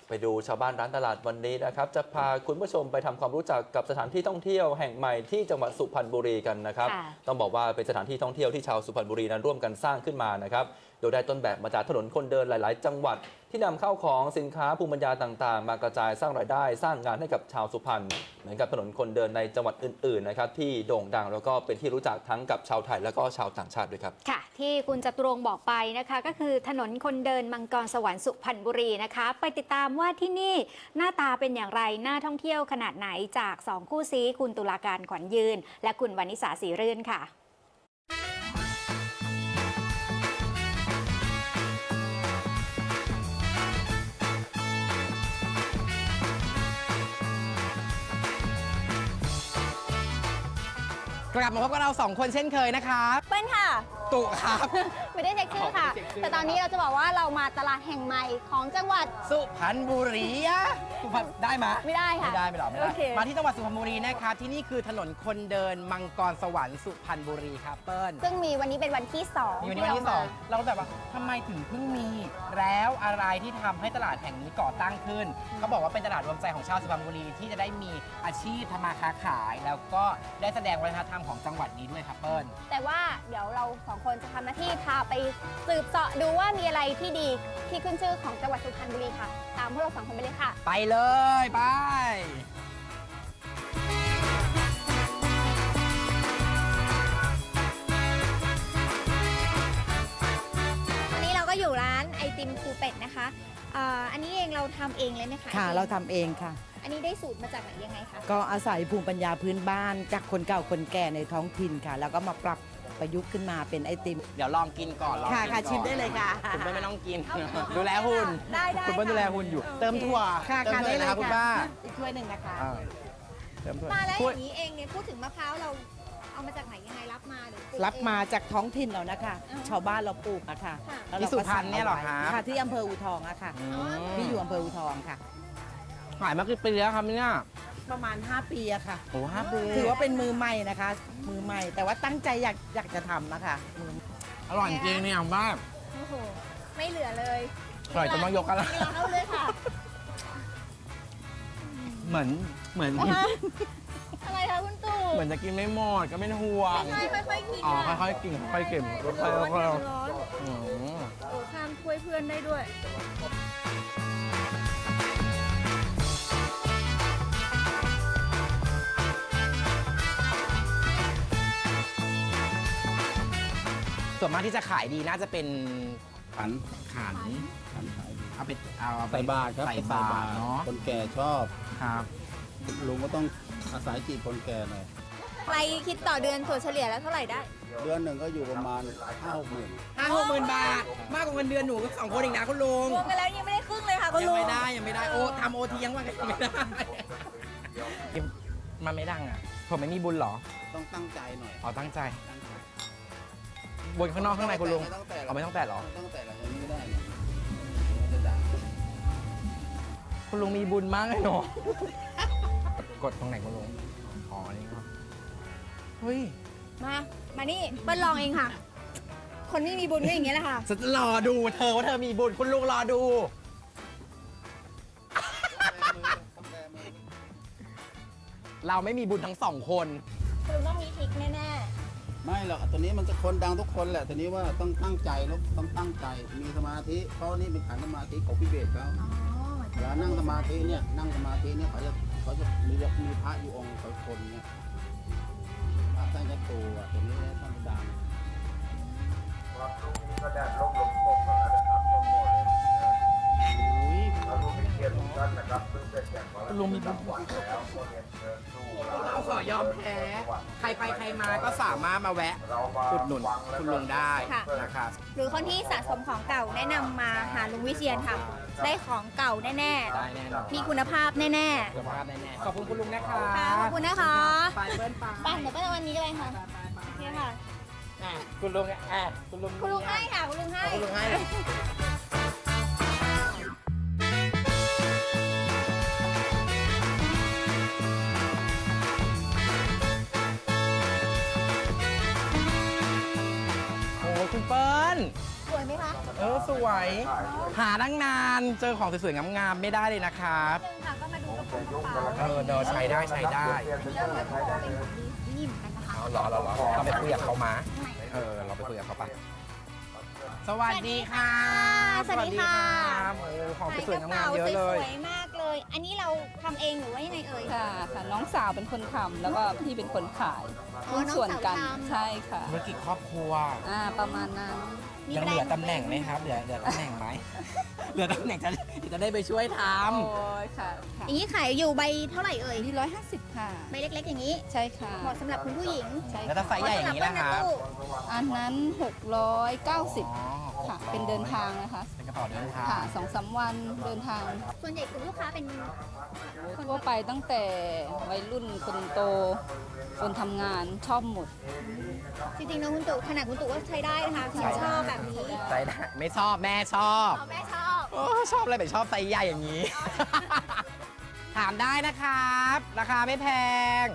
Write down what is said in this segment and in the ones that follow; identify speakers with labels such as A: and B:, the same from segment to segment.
A: ไปดูชาวบ้านร้านตลาดวันนี้นะครับจะพาคุณผู้ชมไปทำความรู้จักกับสถานที่ท่องเที่ยวแห่งใหม่ที่จังหวัดสุพรรณบุรีกันนะครับต้องบอกว่าเป็นสถานที่ท่องเที่ยวที่ชาวสุพรรณบุรีนั้นร่วมกันสร้างขึ้นมานะครับโดยได้ต้นแบบมาจากถนนคนเดินหลาย ๆ จังหวัดที่นำเข้าของสินค้าภูมิปัญญาต่าง ๆ มากระจายสร้างรายได้สร้างงานให้กับชาวสุพรรณเหมือนกับถนนคนเดินในจังหวัดอื่น ๆ นะครับที่โด่งดังแล้วก็เป็นที่รู้จักทั้งกับชาวไทยและก็ชาวต่างชาติด้วยครับ
B: ค่ะที่คุณจตุรงค์บอกไปนะคะก็คือถนนคนเดินมังกรสวรรค์สุพรรณบุรีนะคะไปติดตามว่าที่นี่หน้าตาเป็นอย่างไรน่าท่องเที่ยวขนาดไหนจาก2คู่ซี้คุณตุลาการขวัญยืนและคุณวรรณิสาศรีรื่นค่ะ
C: กลับมาพบกับเรา2คนเช่นเคยนะครับ
D: เปิ้ลค่ะ
C: ตุครับ
D: ไม่ได้เช็คชื่อค่ะแต่ตอนนี้เราจะบอกว่าเรามาตลาดแห่งใหม่ของจังหวัด
C: สุพรรณบุรีสุพรรณได้ไหม
D: ไม่ได้ค่ะ
C: ไม่ได้ไม่หรอไม่ได้มาที่จังหวัดสุพรรณบุรีนะครับที่นี่คือถนนคนเดินมังกรสวรรค์สุพรรณบุรีครับเปิ้ล
D: ซึ่งมีวันนี้เป็นวันที่2
C: มีวันนี้วันที่2เราแบบว่าทำไมถึงเพิ่งมีแล้วอะไรที่ทำให้ตลาดแห่งนี้ก่อตั้งขึ้นเขาบอกว่าเป็นตลาดรวมใจของชาวสุพรรณบุรีที่จะได้มีอาชีพทำมาค้าขายแล้วก็ได้แสดงวัฒนธรรมของจังหวัดนี้ด้วยครับเปิ้ล
D: แต่ว่าเดี๋ยวเรา2คนจะทำหน้าที่พาไปสืบเสาะดูว่ามีอะไรที่ดีที่ขึ้นชื่อของจังหวัดสุพรรณบุรีค่ะตามพวกเรา2คนไปเลยค่ะ
C: ไปเลยไป
D: วันนี้เราก็อยู่ร้านไอติมครูเป็ดนะคะอันนี้เองเราทำเองเลยไหมคะ
E: ค่ะเราทำเองค่ะ
D: อันนี้ได้สูตรมาจากไหนยังไงคะ
E: ก็อาศัยภูมิปัญญาพื้นบ้านจากคนเก่าคนแก่ในท้องถิ่นค่ะแล้วก็มาปรับประยุกต์ขึ้นมาเป็นไอติม
C: เดี๋ยวลองกินก่อน
E: ค่ะชิมได้เลยค่ะ
C: คุณไม่ต้องกินดูแลหุ่นคุณเปิ้ลดูแลหุ่นอยู่เติมถั่ว
E: เติม
C: เลยนะครับคุณป้า
E: อีกถ้วยหนึ่งนะคะ
D: เติมถั่วมาแล้วอย่างนี้เองเนี่ยพูดถึงมะพร้าวเราเอามาจากไหนยังไงรับมาหรือ
E: รับมาจากท้องถิ่นเรานะคะชาวบ้านเราปลูกนะคะ
C: ที่สุพรรณเนี่ยหรอคะ
E: ค่ะที่อำเภออูทองอะค่ะที่อยู่อำเภออูทองค่ะ
C: ขายมากี่ปีแล้วครับเนี่ย
E: ประมาณ5 ปีอะค่ะ
C: โอ้5 ปี
E: ถือว่าเป็นมือใหม่นะคะมือใหม่แต่ว่าตั้งใจอยากจะทำนะคะ
C: อร่อยจริงเนี่ยบ้า
D: โอ้โหไม่เหลือเลย
C: อร่อยจะต้องยกกันละ
D: เอาเลยค่ะ
C: เหมือน
D: อะไรคะคุณตู่
C: เหมือนจะกินไม่หมดก็ไม่ห่วง
D: ค่อยๆกิน
C: ค่อยๆกินค่อยๆเก็บ
D: ค่อยๆร้อนโอ้ข้ามถ้วยเพื่อนได้ด้วย
C: ส่วนมากที่จะขายดีน่าจะเป็น
F: ขัน
C: เอาไป
F: ใส่บาตรครับ
C: ใส่บาตรเนาะ
F: คนแก่ชอบ
C: ครับ
F: ลุงก็ต้องอาศัยจีบคนแก่หน่อย
D: ใครคิดต่อเดือนถั่วเฉลี่ยแล้วเท่าไหร่ได้
F: เดือนหนึ่งก็อยู่ประมาณ5-6 หมื่น
C: บาทมากกว่าเงินเดือนหนูก็2 คนอีกนะคุณลุง
D: รวมกันแล้วยังไม่ได้ครึ่งเลยค่ะคุณลุง
C: ยังไม่ได้โอทำโอทียังว่ากันไม่ได้มันไม่ดังอ่ะผมไม่มีบุญหรอ
F: ต้องตั้งใจหน่อย
C: ตั้งใจบนข้างนอกข้างในคุณลุงไม่ต้องแตะหรอ
F: ต้องแตะอย่างนี้ไม่ได้
C: คุณลุงมีบุญมากเลยเนาะกดตรงไหนคุณลุงนี่ก็เฮ้ย
D: มานี่เปิ้ลลองเองค่ะคนที่มีบุญก็อย่างเงี้ยแหละค่ะ
C: จะรอดูเธอว่าเธอมีบุญคุณลุงรอดูเราไม่มีบุญทั้ง2 คน
D: คุณลุงต้องมีทริคแน่
F: ไม่หรอกตัวนี้มันจะคนดังทุกคนแหละตัวนี้ว่าต้องตั้งใจแล้วต้องตั้งใจมีสมาธิเพราะนี่เป็นขันสมาธิของพี่เบสเขาเวลานั่งสมาธิเนี่ยเขาจะมีพระอยู่องค์คนเนี่ยพระท่านจะตัวตัวนี้ต้องดัง
G: ครับลูกนี้ก็แดดลมตกมาแล้วนะครับต้นโมเลยเราลูกมีเกียรติทุกท่านนะครับซึ่งเป็นแข่งมาแล้วมีจังหวัดแล้วก็เรียนเชิญสู้
C: เราขอยอมแพ้ใครไปใครมาก็สามารถมาแวะอุดหนุนคุณลุงได้นะครับ
D: หรือคนที่สะสมของเก่าแนะนำมาหาลุงวิเชียรค่ะได้ของเก่าแน่ๆมีคุณภาพแน่
C: ๆขอบคุณคุณลุงนะคะ
D: ขอบคุณนะคะ
C: ไปเบิ้ล
D: ไปเดี๋ยวไปวันนี้กันเลยค่ะโอเคค่ะ
C: คุณลุง
D: คุณลุงให้ค่ะคุณลุงให้
C: คุณเปิ้ล
D: สวยไหมคะ
C: สวยหาตั้งนานเจอของสวยๆงามๆไม่ได้เลยนะครับ
D: ค่ะก็มาดูกระเป๋า
C: เดินใช้ได้
D: เริ่มเลยเพราะว่าเป็นของดีนี่เหมือนกันนะคะ
C: รอเราไปคุยกับเขามาเราไปคุยกับเขาปะสวัสดีค่ะ
D: สวัสดีค่ะ
C: โอ้ของสวยๆงามๆเยอะเลย
D: สวยๆมากเลย อันนี้เราทำเองหรือว่ายังไงเอ่ย
H: ค่ะน้องสาวเป็นคนทำแล้วก็พี่เป็นคนขาย
D: อ๋อน้อง
H: ส่วนกัน
D: สาวทำ
H: ใช่ค่ะ
C: ธุรกิจครอบครัว
H: ประมาณนั้น
C: ยังเหลือตำแหน่งไหมครับ เหลือตำแหน่งไหม เหลือตำแหน่งจะได้ไปช่วยท
H: โอ้ยค่ะ
D: อย่างนี้ขายอยู่ใบเท่าไหร่เอ่ย
H: นี่150 ค่ะ
D: ใบเล็กๆอย่างนี้
H: ใช่ค่ะ
D: เหมาะสำหรับคุณผู้หญิง
H: ใช่
C: ำแล้วถ้าไซส์ใหญ่อย่างนี้นะครับ
H: อันนั้น 690 ค่ะ เป็นเดินทางนะคะ
C: เป็นกระเป๋าเดินทาง
H: ค่ะ2-3 วันเดินทาง
D: ส่วนใหญ่กลุ่มลูกค้าเป็น
H: ทั่วไปตั้งแต่วัยรุ่นคนโต คนทำงานชอบหมด
D: จริงๆนะคุณตู่ขนาดคุณตู่ก็ใช้ได้นะคะฉันชอบแบบนี้
C: ไซส์ได้ไม่ชอบแม่ชอบ
D: เอาแม่ชอบ
C: โอ้ชอบอะไรแบบชอบไซส์ใหญ่อย่างนี้ ถามได้นะครับ ราคาไม่แพง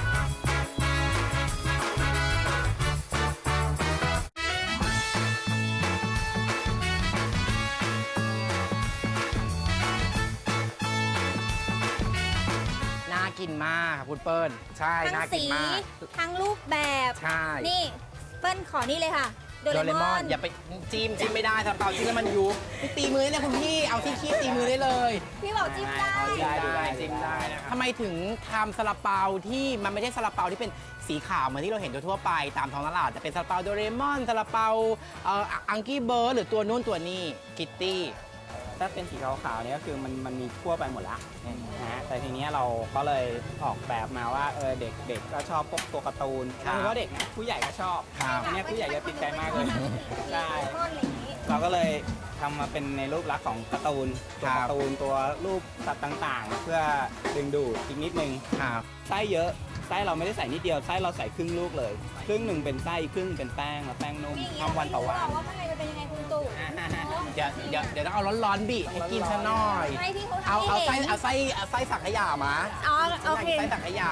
C: น่ากินมากครับคุณเปิ้ล ใช่
D: ทั้ง
C: น่ากิ
D: สี
C: นมาก
D: ทั้งรูปแบบ
C: ใช่
D: นี่เปิ้ลขอนี่เลยค่ะ โด
C: โด
D: เร
C: เร
D: ม
C: ม
D: อ
C: อน
D: น
C: อย่าไปจิ้มไม่ได้ซาลาเปาจิ้มแล้วมันยุบพี่ตีมือได้เลยคุณพี่ เอาที่คีบตีมือได้เลย
D: พี่บอกจิ้มได้
C: ได้จิ้มได้นะครับทำไมถึงทำซาลาเปาที่มันไม่ใช่ซาลาเปาที่เป็นสีขาวเหมือนที่เราเห็นทั่วๆไปตามท้องตลาดแต่เป็นซาลาเปาโดเรมอนซาลาเปาอังกี้เบิร์ดหรือตัวนู้นตัวนี้คิตตี้
I: ถ้าเป็นสีขาวๆเนี่ยก็คือมันมีทั่วไปหมดละนะฮะแต่ทีเนี้ยเราก็เลยออกแบบมาว่าเด็กก็ชอบพวกตัวการ์ตูน
C: ครับ
I: ไม่เฉพาะเด็กนะผู้ใหญ่ก็ชอบ
C: ครับ
I: อันเนี้ยผู้ใหญ่จะติดใจมากเลยใช่
D: โดเรมอนอะไรอย่างนี้
I: เราก็เลยทำมาเป็นในรูปลักษณ์ของการ์ตูนตัว
C: ครับ
I: การ์ตูนตัวรูปสัตว์ต่างๆ เพื่อดึงดูดอีกนิดนึง
C: ครับ
I: ไส้เยอะไส้เราไม่ได้ใส่นิดเดียวไส้เราใส่ครึ่งลูกเลยครึ่งหนึ่งเป็นไส้ครึ่งเป็นแป้งแล้วแป้งนุ่ม
D: นี่อย่างนี้
I: ทำวันต่อวัน
D: เราไม่รู้หรอกว่าข้างในมันเป็นยังไงคุณตู่
C: เดี๋ยวต้องเอาร้อนๆบีให้กินซะหน่อย
D: ให้พี่เขา
C: เอา
D: ทำให้
C: เอาไส้
D: เห็น
C: เอาไส้สังขยามา
D: อ๋อโอเค
C: ไส้สังขยา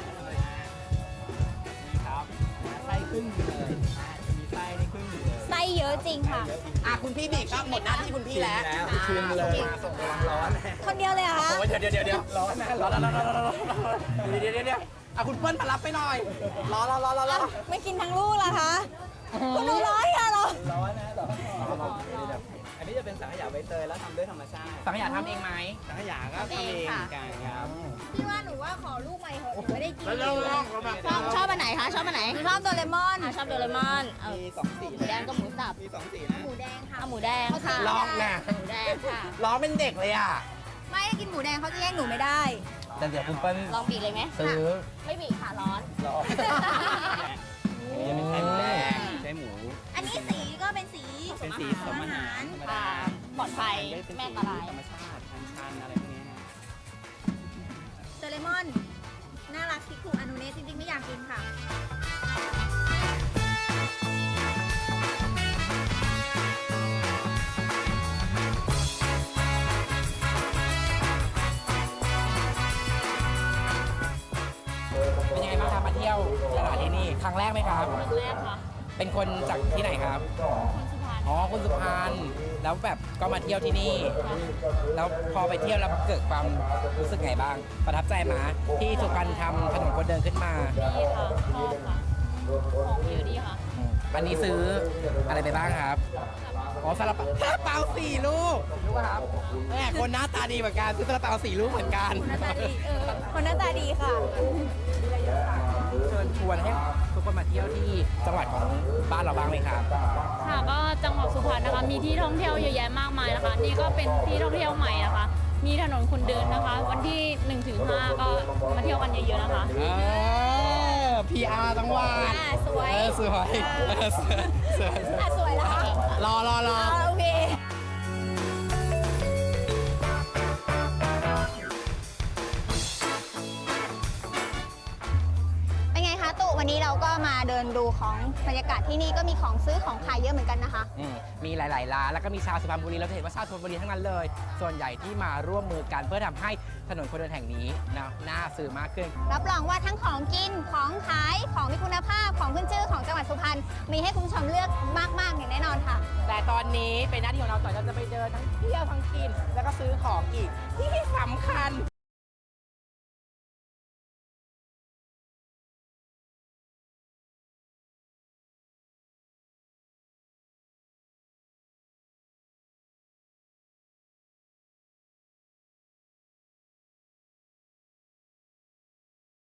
I: นี่ครับไส้ครึ่งหนึ่งเลยมีไส้ในครึ่งหนึ่งเลย
D: ไส้เยอะจริงค่ะ
C: คุณพี่บีครับหมดหน้าที่คุณพี่แล้ว
I: ชิมเลย
C: มาส่งกำลังร้อน
D: คนเดียวเลยเหรอคะ
C: โอ้ยเดี๋ยวร้อนนะร้อนเดี๋ยวคุณเปิ้ลมารับไปหน่อยรอ
D: ไม่กินทั้งลูกเหรอคะคุณดูร้อยค่ะเหรอ
I: ร้อนนะอันนี้จะเป็นสังขยาใบเตยแล้วทำด้วยธรรมชาติ
C: สังขยาทำเองไหม
I: สังขยาก็ทำเองเหมือนกันครับ
D: พี่ว่าหนูว่าขอลูกใหม่เถอะหนูไม่ได้กิน
J: ชอบอันไหนคะชอบอันไหน
D: หนูชอบโดเรมอน
J: ชอบโดเรมอนเอา
I: มีสองสี
J: หมูแดงกับหมูสับ
I: มีสองสีนะ
D: หมูแดงค่ะ
J: เอาหมูแดงค่ะ
C: ร้องนะ
J: หมูแดงค่ะ
C: ร้องเป็นเด็กเลยอ่ะ
D: ไม่ได้กินหมูแดงเขาจะแย่งหนูไม่ได้
C: แต่เดี๋ยวคุณเปิ้ล
J: ลองบีบเลยไหม
C: ซื้อ
J: ไม่บีบค่ะร้อน
I: ร้อนอันนี้จะเป็นไส้หมูแดงไส้หมู
D: อันนี้สีก็เป็นสี
I: เป็นสีผสมอาหารธรรมดา
J: ปลอดภัย
I: เป็น
J: แม่
I: สี
J: ตลาย
I: ธรรมชาติชันๆอะไรพวกนี้นะ
D: โดเรมอน น่ารักคิคุอานุเนะจริงๆไม่อยากกินค่ะ
C: เป็นยังไงบ้างครับมาเที่ยวตลาดที่นี่ครั้งแรกไหมครับ
J: ครั้งแรกค่ะ
C: เป็นคนจากที่ไหนครับ
J: คนสุพรรณ
C: อ๋อคนสุพรรณแล้วแบบก็มาเที่ยวที่นี่ แล้วพอไปเที่ยวแล้วเกิดความรู้สึกไงบ้าง ประทับใจไหมาที่สุพรรณทำถนนคนเดินขึ้นมา
J: ดีค่ะชอบค่ะของเยอะดีค่ะ
C: วันนี้ซื้ออะไรไปบ้างครับอ๋อซาลาเปา4 ลูกรู้ป่ะครับแม่คนหน้าตาดีเหมือนกันซื้อซาลาเปา4 ลูกเหมือนกัน
D: หน้าตาดีคนหน้าตาดีค่ะ
C: เชิญชวนให้ทุกคนมาเที่ยวที่จังหวัดของบ้านเราบ้างไหมครับ
K: ค่ะก็จังหวัดสุพรรณนะคะมีที่ท่องเที่ยวเยอะแยะมากมายนะคะ นี่ก็เป็นที่ท่องเที่ยวใหม่นะคะ มีถนนคนเดินนะคะ วันที่ 1-5 ก็มาเที่ยวกันเยอะๆนะคะ
C: PR จังหวัด
D: สวย
C: สวยสวย
D: สวยแล้วคะ
C: รอ
D: โอเค เป็นไงคะตุวันนี้เราก็มาเดินนดูของบรรยากาศที่นี่ก็มีของซื้อของขายเยอะเหมือนกันนะคะ
C: มีหลาย ๆ ร้านแล้วก็มีชาวสุพรรณบุรีเราจะเห็นว่าชาวสุพรรณบุรีทั้งนั้นเลย ส่วนใหญ่ที่มาร่วมมือกันเพื่อทำให้ถนนคนเดินแห่งนี้น่าซื้อมากขึ้น
D: รับรองว่าทั้งของกินของขายของมีคุณภาพของขึ้นชื่อของจังหวัดสุพรรณมีให้คุณผู้ชมเลือกมากๆอย่างแน่นอนค่ะ
C: แต่ตอนนี้เป็นหน้าที่ของเราต่อเราจะไปเดินทั้งเที่ยวทั้งกิน แล้วก็ซื้อของอีกที่สำคัญ